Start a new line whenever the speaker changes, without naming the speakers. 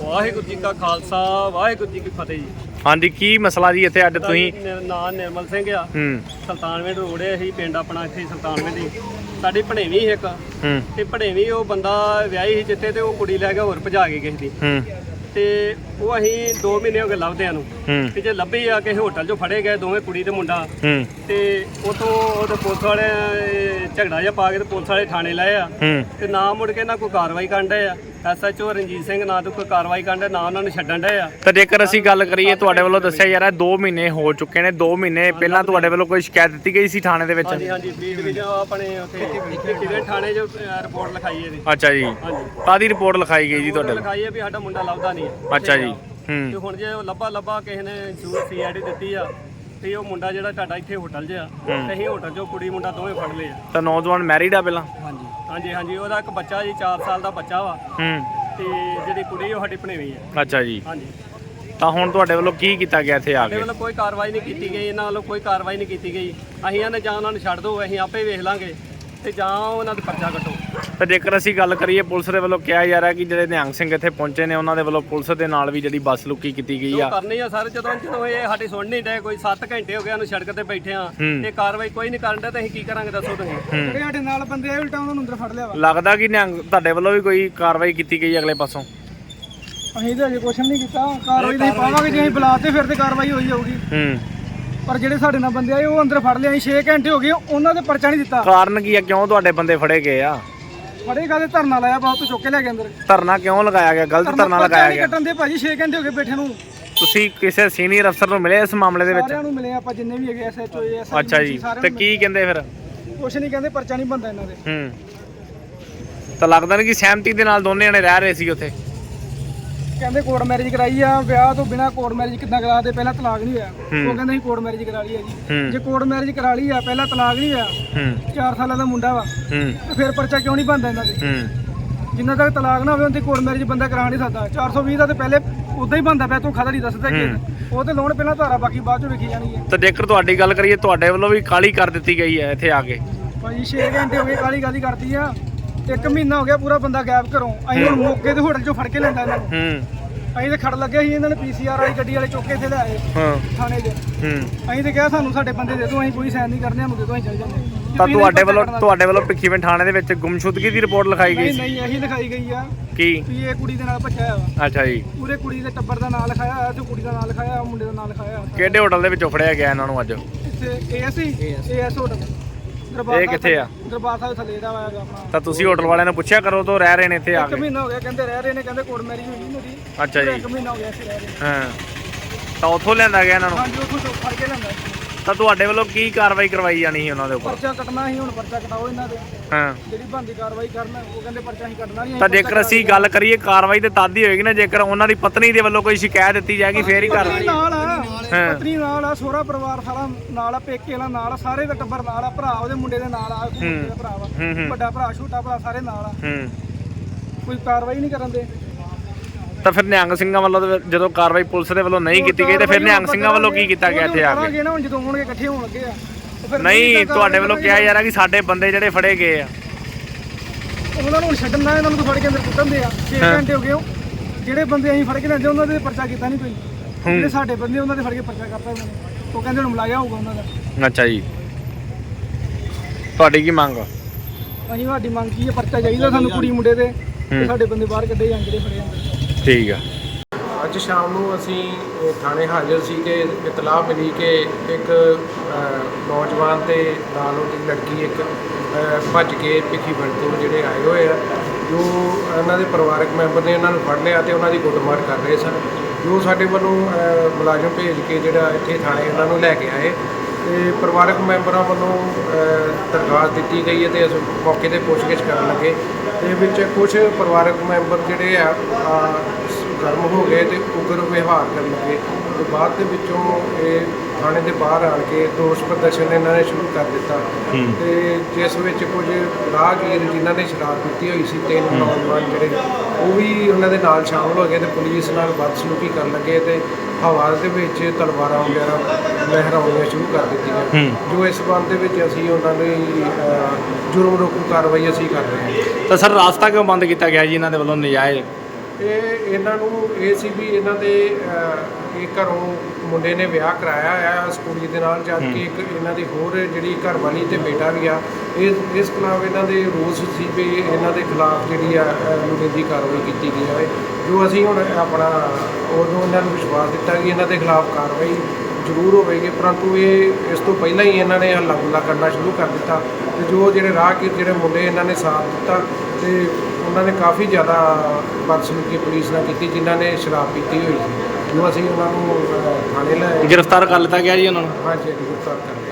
ਵਾਹਿਗੁਰੂ ਜੀ ਕਾ ਖਾਲਸਾ ਵਾਹਿਗੁਰੂ ਜੀ ਕੀ ਫਤਿਹ ਜੀ।
ਹਾਂਜੀ, ਕੀ ਮਸਲਾ ਜੀ ਇੱਥੇ ਅੱਡ ਤੁਸੀਂ?
ਨਾਂ ਨਿਰਮਲ ਸਿੰਘ ਆ। ਸੁਲਤਾਨਵਿੰਡ ਰੋਡ ਹੈ, ਅਸੀਂ ਪਿੰਡ ਆਪਣਾ ਇੱਥੇ ਸੁਲਤਾਨਵਿੰਡ ਹੀ। ਸਾਡੀ ਭਣੇਵੀਂ ਸੀ ਇੱਕ, ਤੇ ਭਣੇਵੀਂ ਉਹ ਬੰਦਾ ਵਿਆਹੀ ਸੀ ਜਿੱਥੇ, ਤੇ ਉਹ ਕੁੜੀ ਲੈ ਕੇ ਹੋਰ ਭਜਾ ਕੇ ਕਿਸੇ ਦੀ, ਤੇ ਉਹ ਅਸੀਂ 2 ਮਹੀਨੇ ਹੋ ਗਏ ਲੱਭਦਿਆਂ ਨੂੰ। ਤੇ ਜੇ ਲੱਭੀ ਆ ਕਿਸੇ ਹੋਟਲ 'ਚੋਂ ਫੜੇ ਗਏ ਦੋਵੇਂ, ਕੁੜੀ ਤੇ ਮੁੰਡਾ। ਤੇ ਉਥੋਂ ਉਹਦੇ ਪੁਲਿਸ ਵਾਲੇ ਝਗੜਾ ਜਿਹਾ ਪਾ ਕੇ ਤੇ ਪੁਲਿਸ ਵਾਲੇ ਥਾਣੇ ਲਾਏ ਆ, ਤੇ ਨਾ ਮੁੜ ਕੇ ਨਾ ਕੋਈ ਕਾਰਵਾਈ ਕਰਨ ਡਏ ਆ। SHO ਰਣਜੀਤ ਸਿੰਘ ਨਾ ਤੋਂ ਕੋਈ ਕਾਰਵਾਈ ਕਰਨ ਡਏ, ਨਾ ਉਹਨਾਂ ਨੂੰ ਛੱਡਣ ਡਏ ਆ।
ਤਾਂ ਜੇਕਰ ਅਸੀਂ ਗੱਲ ਕਰੀਏ, ਤੁਹਾਡੇ ਵੱਲੋਂ ਦੱਸਿਆ ਯਾਰ 2 ਮਹੀਨੇ ਹੋ ਚੁੱਕੇ ਨੇ। 2 ਮਹੀਨੇ ਪਹਿਲਾਂ ਤੁਹਾਡੇ ਵੱਲੋਂ ਕੋਈ ਸ਼ਿਕਾਇਤ ਦਿੱਤੀ ਗਈ ਸੀ ਥਾਣੇ ਦੇ ਵਿੱਚ?
ਹਾਂਜੀ ਹਾਂਜੀ, ਬੀ ਡਿਵੀਜ਼ਨ ਆਪਣੇ ਉੱਥੇ ਥਾਣੇ 'ਚ ਰਿਪੋਰਟ ਲਿਖਾਈ ਇਹਦੀ।
ਅੱਛਾ ਜੀ, ਕਾਹਦੀ ਰਿਪੋਰਟ ਲਿਖਾਈ ਗਈ ਜੀ ਤੁਹਾਡੇ?
ਲਿਖਾਈ ਹੈ ਵੀ ਸਾਡਾ ਮੁੰਡਾ ਲੱਭਦਾ ਨਹੀਂ ਹੈ।
ਅੱਛਾ ਜੀ।
ਤੇ ਹੁਣ ਜੇ ਉਹ ਲੱਭਾ ਕਿਸੇ ਨੇ CID ਦਿੱਤੀ ਆ, ਤੇ ਉਹ ਮੁੰਡਾ ਜਿਹੜਾ ਤੁਹਾਡਾ ਇੱਥੇ ਹੋਟਲ 'ਚ ਆ, ਤੇ ਅਸੀਂ ਹੋਟਲ 'ਚੋਂ ਕੁੜੀ ਮੁੰਡਾ ਦੋਵੇਂ ਫੜ ਲਏ ਆ।
ਤਾਂ ਨੌਜਵਾਨ ਮੈਰਿਡ ਆ ਪਹਿਲਾਂ?
ਹਾਂਜੀ ਹਾਂਜੀ ਹਾਂਜੀ, ਉਹਦਾ ਇੱਕ ਬੱਚਾ ਜੀ 4 ਸਾਲ ਦਾ ਬੱਚਾ ਵਾ। ਤੇ ਜਿਹੜੀ ਕੁੜੀ ਉਹ ਸਾਡੀ ਭਣੇਵੀਂ ਆ।
ਅੱਛਾ ਜੀ।
ਹਾਂਜੀ।
ਤਾਂ ਹੁਣ ਤੁਹਾਡੇ ਵੱਲੋਂ ਕੀ ਕੀਤਾ ਗਿਆ ਇੱਥੇ ਆ
ਸਾਡੇ
ਕੇ?
ਵੱਲੋਂ ਕੋਈ ਕਾਰਵਾਈ ਨਹੀਂ ਕੀਤੀ ਗਈ, ਇਹਨਾਂ ਵੱਲੋਂ ਕੋਈ ਕਾਰਵਾਈ ਨਹੀਂ ਕੀਤੀ ਗਈ। ਅਸੀਂ ਇਹਨੇ ਜਾਂ ਉਹਨਾਂ ਨੂੰ ਛੱਡ ਦਿਓ, ਅਸੀਂ ਆਪੇ ਵੇਖ ਲਾਂਗੇ, ਤੇ ਜਾਂ ਉਹਨਾਂ ਦਾ ਪਰਚਾ ਕੱਟੋ।
ਤਾਂ ਜੇਕਰ ਅਸੀਂ ਗੱਲ ਕਰੀਏ, ਪੁਲਿਸ ਦੇ ਵੱਲੋਂ ਕਿਹਾ ਜਾ ਰਿਹਾ ਕਿ ਜਿਹੜੇ ਨਿਹੰਗ ਸਿੰਘ ਇੱਥੇ ਪਹੁੰਚੇ ਨੇ, ਉਹਨਾਂ ਦੇ ਵੱਲੋਂ ਪੁਲਿਸ ਦੇ ਨਾਲ ਵੀ ਜਿਹੜੀ ਬੱਸ ਲੁੱਕੀ ਕੀਤੀ ਗਈ ਆ।
ਕਰਨੀ ਆ ਸਰ, ਜਦੋਂ ਇਹ ਸਾਡੀ ਸੁਣ ਨਹੀਂ ਡਏ। ਕੋਈ 7 ਘੰਟੇ ਹੋ ਗਏ ਉਹਨੂੰ ਸੜਕ ਤੇ ਬੈਠੇ ਆ, ਤੇ ਕਾਰਵਾਈ ਕੋਈ ਨਹੀਂ ਕਰਨ ਡਿਆ, ਤੇ ਅਸੀਂ ਕੀ ਕਰਾਂਗੇ ਦੱਸੋ ਤੁਸੀਂ? ਜਿਹੜੇ ਸਾਡੇ ਨਾਲ ਬੰਦੇ ਆਏ ਉਲਟਾ ਉਹਨਾਂ ਨੂੰ ਅੰਦਰ ਫੜ ਲਿਆ ਵਾ।
ਲੱਗਦਾ ਕਿ ਨਿਹੰਗ ਤੁਹਾਡੇ ਵੱਲੋਂ ਵੀ ਕੋਈ ਕਾਰਵਾਈ ਕੀਤੀ ਗਈ ਅਗਲੇ ਪਾਸੋਂ?
ਅਸੀਂ ਤਾਂ ਅਜੇ ਕੁਛ ਨਹੀਂ ਕੀਤਾ, ਕਾਰਵਾਈ ਨਹੀਂ ਪਾਵਾਂਗੇ। ਜੇ ਅਸੀਂ ਬੁਲਾਤੇ ਫਿਰ ਤੇ ਕਾਰਵਾਈ ਹੋਈ ਜਾਊਗੀ। ਪਰ ਜਿਹੜੇ ਸਾਡੇ ਨਾਲ ਬੰਦੇ ਆਏ ਉਹ ਅੰਦਰ ਫੜ ਲਿਆ। ਅਸੀਂ 6 ਘੰਟੇ ਹੋ ਗਏ, ਉਹਨਾਂ ਦੇ ਪਰਚਾ ਨਹੀਂ ਦਿੱਤਾ।
ਕਾਰਨ ਕੀ ਆ, ਕਿਉਂ ਤੁਹਾਡੇ ਬੰਦੇ ਫੜੇ ਗਏ ਆ?
ਫੜੇ ਕਾਹਦੇ? ਧਰਨਾ ਲਾਇਆ, ਬਹੁਤ ਚੁੱਕ ਕੇ ਲੈ ਗਏ ਅੰਦਰ।
ਧਰਨਾ ਕਿਉਂ ਲਗਾਇਆ ਗਿਆ? ਗਲਤ ਧਰਨਾ ਲਗਾਇਆ ਗਿਆ।
ਕੱਟਣ ਦੇ ਭਾਜੀ 6 ਘੰਟੇ ਹੋ ਗਏ ਬੈਠੇ ਨੂੰ।
ਤੁਸੀਂ ਕਿਸੇ ਸੀਨੀਅਰ ਅਫਸਰ ਨੂੰ ਮਿਲੇ ਇਸ ਮਾਮਲੇ ਦੇ ਵਿੱਚ?
ਸਾਰਿਆਂ ਨੂੰ ਮਿਲੇ ਆਪਾਂ, ਜਿੰਨੇ ਵੀ ਹੈਗੇ SHO SI।
ਅੱਛਾ ਜੀ, ਤੇ ਕੀ ਕਹਿੰਦੇ ਫਿਰ?
ਕੁਛ ਨਹੀਂ ਕਹਿੰਦੇ, ਪਰਚਾ ਨਹੀਂ ਬੰਦਾ ਇਹਨਾਂ ਦੇ।
ਤਾਂ ਲੱਗਦਾ ਨਹੀਂ ਕਿ ਸਹਿਮਤੀ ਦੇ ਨਾਲ ਦੋਨੇ ਜਣੇ ਰਹਿ ਰਹੇ ਸੀ ਉੱਥੇ?
ਕਹਿੰਦੇ ਕੋਰਟ ਮੈਰਿਜ ਕਰਾਈ ਆ। ਵਿਆਹ ਤੋਂ ਬਿਨਾ ਕੋਰਟ ਮੈਰਿਜ ਕਿੱਦਾਂ ਕਰਾ ਦੇ? ਪਹਿਲਾਂ ਤਲਾਕ ਨਹੀਂ ਹੋਇਆ। ਉਹ ਕਹਿੰਦੇ ਅਸੀਂ ਕੋਰਟ ਮੈਰਿਜ ਕਰਾ ਲਈ ਆ ਜੀ। ਜੇ ਕੋਰਟ ਮੈਰਿਜ ਕਰਾ ਲਈ ਆ, ਪਹਿਲਾਂ ਤਲਾਕ ਨਹੀਂ ਹੋਇਆ, 4 ਸਾਲਾਂ ਦਾ ਮੁੰਡਾ ਵਾ, ਤੇ ਫਿਰ ਪਰਚਾ ਕਿਉਂ ਨਹੀਂ ਬਣਦਾ ਇਹਨਾਂ ਦੇ? ਜਿੰਨਾ ਤੱਕ ਤਲਾਕ ਨਾ ਹੋਵੇ ਉਹਦੀ ਕੋਰਟ ਮੈਰਿਜ ਬੰਦਾ ਕਰਾ ਨਹੀਂ ਸਕਦਾ। 420 ਦਾ ਤੇ ਪਹਿਲੇ ਉਦਾਂ ਹੀ ਬਣਦਾ ਪਿਆ। ਤੂੰ ਖਾਦਾ ਨਹੀਂ ਦੱਸਦਾ ਕਿ ਉਹ ਤੇ ਲੋਨ ਪਹਿਲਾਂ ਧਾਰਾ, ਬਾਕੀ ਬਾਅਦ ਚੋਂ ਵੇਖੀ ਜਾਣੀ ਹੈ।
ਤਾਂ ਜੇਕਰ ਤੁਹਾਡੀ ਗੱਲ ਕਰੀਏ, ਤੁਹਾਡੇ ਵੱਲੋਂ ਵੀ ਕਾਲੀ ਕਰ ਦਿੱਤੀ ਗਈ ਹੈ ਇੱਥੇ ਆ ਕੇ?
ਭਾਜੀ 6 ਘੰਟੇ ਹੋ ਗਏ ਕਾਲੀ ਕਰਦੀ ਆ। 1 ਮਹੀਨਾ ਹੋ ਗਿਆ ਪੂਰਾ ਬੰਦਾ ਗਾਇਬ ਘਰੋਂ। ਅਸੀਂ ਹੁਣ ਮੌਕੇ ਤੇ ਹੋਟਲ 'ਚੋਂ ਫੜ ਕੇ ਲੈਂਦਾ ਇਹਨਾਂ ਨੂੰ। ਅਸੀਂ ਤੇ ਖੜ ਲੱਗੇ ਸੀ, ਇਹਨਾਂ ਨੇ PCR ਵਾਲੀ ਗੱਡੀ ਵਾਲੇ ਚੁੱਕ ਕੇ ਇੱਥੇ ਲੈ ਆਏ ਥਾਣੇ 'ਚ। ਅਸੀਂ ਤੇ ਕਿਹਾ ਸਾਨੂੰ ਸਾਡੇ ਬੰਦੇ ਦੇ ਦਿਓ, ਅਸੀਂ ਕੋਈ ਸਾਈਨ ਨਹੀਂ ਕਰਨੇ, ਸਾਨੂੰ ਦੇ ਦਿਓ, ਅਸੀਂ ਚੱਲ ਜਾਂਦੇ।
ਤਾਂ ਤੁਹਾਡੇ ਵੱਲੋਂ ਭਿੱਖੀਵਿੰਡ ਥਾਣੇ ਦੇ ਵਿੱਚ ਗੁੰਮਸ਼ੁਦਗੀ ਦੀ ਰਿਪੋਰਟ ਲਿਖਾਈ ਗਈ ਸੀ?
ਨਹੀਂ, ਇਹੀ ਲਿਖਾਈ ਗਈ ਆ
ਕੀ
ਵੀ ਇਹ ਕੁੜੀ ਦੇ ਨਾਲ ਭੱਜਿਆ ਵਾ।
ਅੱਛਾ ਜੀ।
ਪੂਰੇ ਕੁੜੀ ਦੇ ਟੱਬਰ ਦਾ ਨਾਮ ਲਿਖਾਇਆ ਹੋਇਆ, ਤੇ ਕੁੜੀ ਦਾ ਨਾਮ ਲਿਖਾਇਆ, ਮੁੰਡੇ ਦਾ ਨਾਮ ਲਿਖਾਇਆ।
ਕਿਹੜੇ ਹੋਟਲ ਦੇ ਵਿੱਚੋਂ ਫੜਿਆ ਗਿਆ ਇਹਨਾਂ ਨੂੰ ਅੱਜ?
ਇੱਥੇ AS ਹੋਟਲ।
ਇਹ ਕਿੱਥੇ ਆ?
ਦਰਬਾਰ ਸਾਹਿਬ ਥੱਲੇ ਦਾ ਆਇਆ ਆਪਣਾ।
ਤਾਂ ਤੁਸੀਂ ਹੋਟਲ ਵਾਲਿਆਂ ਨੂੰ ਪੁੱਛਿਆ ਕਰੋ ਤੋਂ ਰਹਿ ਰਹੇ ਨੇ ਇੱਥੇ ਆ ਕੇ?
1 ਮਹੀਨਾ ਹੋ ਗਿਆ ਕਹਿੰਦੇ ਰਹਿ ਰਹੇ ਨੇ, ਕਹਿੰਦੇ ਕੋਰਟ ਮੈਰਿਜ ਹੋਈ ਨਹੀਂ ਮੇਰੀ।
ਅੱਛਾ ਜੀ।
1 ਮਹੀਨਾ ਹੋ ਗਿਆ ਇੱਥੇ ਰਹਿ ਰਹੇ।
ਤਾਂ ਉੱਥੋਂ ਲਿਆਂਦਾ ਗਿਆ ਇਹਨਾਂ ਨੂੰ?
ਹਾਂਜੀ, ਉੱਥੋਂ ਫੜ ਕੇ ਲਿਆਂਦਾ।
ਤਾਂ ਤੁਹਾਡੇ ਵੱਲੋਂ ਕੀ ਕਾਰਵਾਈ ਕਰਵਾਈ ਜਾਣੀ ਸੀ ਉਹਨਾਂ ਦੇ ਉੱਪਰ?
ਪਰਚਾ ਕੱਟਣਾ ਸੀ, ਹੁਣ ਪਰਚਾ ਕਟਾਓ ਇਹਨਾਂ ਦੇ। ਜਿਹੜੀ ਬਣਦੀ ਕਾਰਵਾਈ ਕਰਨ, ਉਹ ਕਹਿੰਦੇ ਪਰਚਾ ਨਹੀਂ ਕੱਟਣਾ ਨਹੀਂ।
ਤਾਂ ਜੇਕਰ ਅਸੀਂ ਗੱਲ ਕਰੀਏ, ਕਾਰਵਾਈ ਤੇ ਤਦ ਹੀ ਹੋਏਗੀ ਨਾ ਜੇਕਰ ਉਹਨਾਂ ਦੀ ਪਤਨੀ ਦੇ ਵੱਲੋਂ ਕੋਈ ਸ਼ਿਕਾਇਤ ਦਿੱਤੀ ਜਾਏਗੀ, ਫੇਰ ਹੀ ਕਾਰਵਾਈ।
ਨਾਲ ਆ ਪਤਨੀ, ਨਾਲ ਆ ਸਹੁਰਾ ਪਰਿਵਾਰ ਸਾਰਾ ਨਾਲ ਆ, ਪੇਕੇ ਵਾਲਾ ਨਾਲ ਆ, ਸਾਰੇ ਦਾ ਟੱਬਰ ਨਾਲ ਆ, ਭਰਾ ਉਹਦੇ ਮੁੰਡੇ ਦੇ ਨਾਲ ਆ, ਮੁੰਡੇ ਦਾ ਭਰਾ ਵਾ, ਵੱਡਾ ਭਰਾ ਛੋਟਾ ਭਰਾ ਸਾਰੇ ਨਾਲ ਆ। ਕੋਈ ਕਾਰਵਾਈ ਨਹੀਂ ਕਰਨ ਦੇ। ਤਾਂ
ਫਿਰ ਨਿਹੰਗ ਸਿੰਘਾਂ ਵੱਲੋਂ ਜਦੋਂ ਕਾਰਵਾਈ ਪੁਲਿਸ ਦੇ ਵੱਲੋਂ ਨਹੀਂ ਕੀਤੀ ਗਈ, ਤੇ ਫਿਰ ਨਿਹੰਗ ਸਿੰਘਾਂ ਵੱਲੋਂ ਕੀ ਕੀਤਾ ਗਿਆ ਇੱਥੇ ਆ ਕੇ?
ਹੁਣ ਜਦੋਂ ਹੋਣਗੇ ਇਕੱਠੇ ਹੋਣ ਲੱਗੇ ਆ।
ਨਹੀਂ, ਤੁਹਾਡੇ ਵੱਲੋਂ ਕਿਹਾ ਜਾ ਰਿਹਾ ਕਿ ਸਾਡੇ ਬੰਦੇ ਜਿਹੜੇ ਫੜੇ ਗਏ ਆ,
ਉਹਨਾਂ ਨੂੰ ਛੱਡਣ ਦਾ, ਇਹਨਾਂ ਨੂੰ ਫੜ ਕੇ ਅੰਦਰ ਕੁੱਟਣ ਦੇ ਆ। 6 ਘੰਟੇ ਹੋ ਗਏ। ਜਿਹੜੇ ਬੰਦੇ ਅਸੀਂ ਫੜ ਕੇ ਲੈਂਦੇ ਉਹਨਾਂ ਦੇ ਪਰਚਾ ਕੀਤਾ ਨਹੀਂ ਕੋਈ। ਜਿਹੜੇ ਸਾਡੇ ਬੰਦੇ ਉਹਨਾਂ ਦੇ ਫੜ ਕੇ ਪਰਚਾ ਕਰਤਾ ਉਹਨਾਂ ਨੇ। ਉਹ ਕਹਿੰਦੇ ਹੁਣ ਮਲਾਇਆ ਹੋਊਗਾ ਉਹਨਾਂ ਦਾ।
ਅੱਛਾ ਜੀ। ਤੁਹਾਡੀ ਕੀ ਮੰਗ?
ਅਸੀਂ ਸਾਡੀ ਮੰਗ ਕੀ ਹੈ, ਪਰਚਾ ਚਾਹੀਦਾ ਸਾਨੂੰ ਕੁੜੀ ਮੁੰਡੇ ਦੇ, ਸਾਡੇ ਬੰਦੇ ਬਾਹਰ ਕੱਢੇ ਜਾਣ ਜਿਹੜੇ ਫੜੇ ਜਾਂਦੇ।
ਠੀਕ ਆ।
ਅੱਜ ਸ਼ਾਮ ਨੂੰ ਅਸੀਂ ਥਾਣੇ ਹਾਜ਼ਰ ਸੀ ਕਿ ਇਤਲਾਹ ਮਿਲੀ ਕਿ ਇੱਕ ਨੌਜਵਾਨ ਤੇ ਨਾਲ ਉਹਦੀ ਲੜਕੀ ਇੱਕ ਭੱਜ ਕੇ ਭਿੱਖੀਵਿੰਡ ਤੋਂ ਜਿਹੜੇ ਆਏ ਹੋਏ ਆ, ਜੋ ਇਹਨਾਂ ਦੇ ਪਰਿਵਾਰਕ ਮੈਂਬਰ ਨੇ ਇਹਨਾਂ ਨੂੰ ਫੜ ਲਿਆ ਤੇ ਉਹਨਾਂ ਦੀ ਕੁੱਟਮਾਰ ਕਰ ਰਹੇ ਸਨ। ਜੋ ਸਾਡੇ ਵੱਲੋਂ ਮੁਲਾਜ਼ਮ ਭੇਜ ਕੇ ਜਿਹੜਾ ਇੱਥੇ ਥਾਣੇ ਇਹਨਾਂ ਨੂੰ ਲੈ ਕੇ ਆਏ, ਤੇ ਪਰਿਵਾਰਕ ਮੈਂਬਰਾਂ ਵੱਲੋਂ ਦਰਖਾਸਤ ਦਿੱਤੀ ਗਈ ਹੈ, ਤੇ ਅਸੀਂ ਮੌਕੇ 'ਤੇ ਪੁੱਛਗਿੱਛ ਕਰਨ ਲੱਗੇ। ਤੇ ਵਿੱਚ ਕੁਝ ਪਰਿਵਾਰਕ ਮੈਂਬਰ ਜਿਹੜੇ ਆ ਗਰਮ ਹੋ ਗਏ ਤੇ ਉਗਰ ਵਿਵਹਾਰ ਕਰਨ ਲੱਗੇ, ਤੇ ਬਾਅਦ ਦੇ ਵਿੱਚੋਂ ਇਹ ਥਾਣੇ ਦੇ ਬਾਹਰ ਆਣ ਕੇ ਦੋਸ਼ ਪ੍ਰਦਰਸ਼ਨ ਇਹਨਾਂ ਨੇ ਸ਼ੁਰੂ ਕਰ ਦਿੱਤਾ। ਤੇ ਜਿਸ ਵਿੱਚ ਕੁਝ ਰਾਹਗੀਰ ਜਿਨ੍ਹਾਂ ਨੇ ਸ਼ਰਾਬ ਪੀਤੀ ਹੋਈ ਸੀ, 3 ਨੌਜਵਾਨ ਜਿਹੜੇ ਉਹ ਵੀ ਉਹਨਾਂ ਦੇ ਨਾਲ ਸ਼ਾਮਲ ਹੋ ਗਏ ਤੇ ਪੁਲਿਸ ਨਾਲ ਬਦਸਲੂਕੀ ਕਰਨ ਲੱਗੇ, ਤੇ ਹਵਾ ਦੇ ਵਿੱਚ ਤਲਵਾਰਾਂ ਵਗੈਰਾ ਲਹਿਰਾਉਣੀਆਂ ਸ਼ੁਰੂ ਕਰ ਦਿੱਤੀਆਂ। ਜੋ ਇਸ ਸੰਬੰਧ ਦੇ ਵਿੱਚ ਅਸੀਂ ਉਹਨਾਂ ਦੀ ਜੁਰਮ ਰੋਕੂ ਕਾਰਵਾਈ ਅਸੀਂ ਕਰ ਰਹੇ ਹਾਂ।
ਤਾਂ ਸਰ ਰਾਸਤਾ ਕਿਉਂ ਬੰਦ ਕੀਤਾ ਗਿਆ ਜੀ ਇਹਨਾਂ ਦੇ ਵੱਲੋਂ ਨਜਾਇਜ਼?
ਇਹਨਾਂ ਨੂੰ ਇਹ ਸੀ ਵੀ ਇਹਨਾਂ ਦੇ ਇਹ ਘਰੋਂ ਮੁੰਡੇ ਨੇ ਵਿਆਹ ਕਰਾਇਆ ਆ ਉਸ ਕੁੜੀ ਦੇ ਨਾਲ, ਜਦ ਕਿ ਇੱਕ ਇਹਨਾਂ ਦੀ ਹੋਰ ਜਿਹੜੀ ਘਰ ਵਾਲੀ ਤੇ ਬੇਟਾ ਵੀ ਆ। ਇਸ ਖਿਲਾਫ ਇਹਨਾਂ ਦੇ ਰੋਸ ਸੀ ਵੀ ਇਹਨਾਂ ਦੇ ਖਿਲਾਫ ਜਿਹੜੀ ਆ ਲੋੜੀਂਦੀ ਕਾਰਵਾਈ ਕੀਤੀ ਜਾਵੇ, ਜੋ ਅਸੀਂ ਹੁਣ ਆਪਣਾ ਉਦੋਂ ਇਹਨਾਂ ਨੂੰ ਵਿਸ਼ਵਾਸ ਦਿੱਤਾ ਕਿ ਇਹਨਾਂ ਦੇ ਖਿਲਾਫ ਕਾਰਵਾਈ ਜ਼ਰੂਰ ਹੋਵੇਗੀ, ਪਰੰਤੂ ਇਹ ਇਸ ਤੋਂ ਪਹਿਲਾਂ ਹੀ ਇਹਨਾਂ ਨੇ ਹੱਲਾ ਗੁੱਲਾ ਕਰਨਾ ਸ਼ੁਰੂ ਕਰ ਦਿੱਤਾ। ਤੇ ਜੋ ਜਿਹੜੇ ਰਾਹਗੀਰ ਜਿਹੜੇ ਮੁੰਡੇ ਇਹਨਾਂ ਨੇ ਸਾਥ ਦਿੱਤਾ ਤੇ ਉਹਨਾਂ ਨੇ ਕਾਫੀ ਜ਼ਿਆਦਾ ਬਦਸਲੂਕੀ ਪੁਲਿਸ ਨਾਲ ਕੀਤੀ, ਜਿਨ੍ਹਾਂ ਨੇ ਸ਼ਰਾਬ ਪੀਤੀ ਹੋਈ ਸੀ, ਜੋ ਅਸੀਂ ਉਹਨਾਂ ਨੂੰ ਥਾਣੇ ਲੈ
ਗ੍ਰਿਫਤਾਰ ਕਰ ਲਿੱਤਾ ਗਿਆ ਜੀ ਉਹਨਾਂ ਨੂੰ।
ਹਾਂਜੀ ਗ੍ਰਿਫਤਾਰ ਕਰ ਲਿਆ।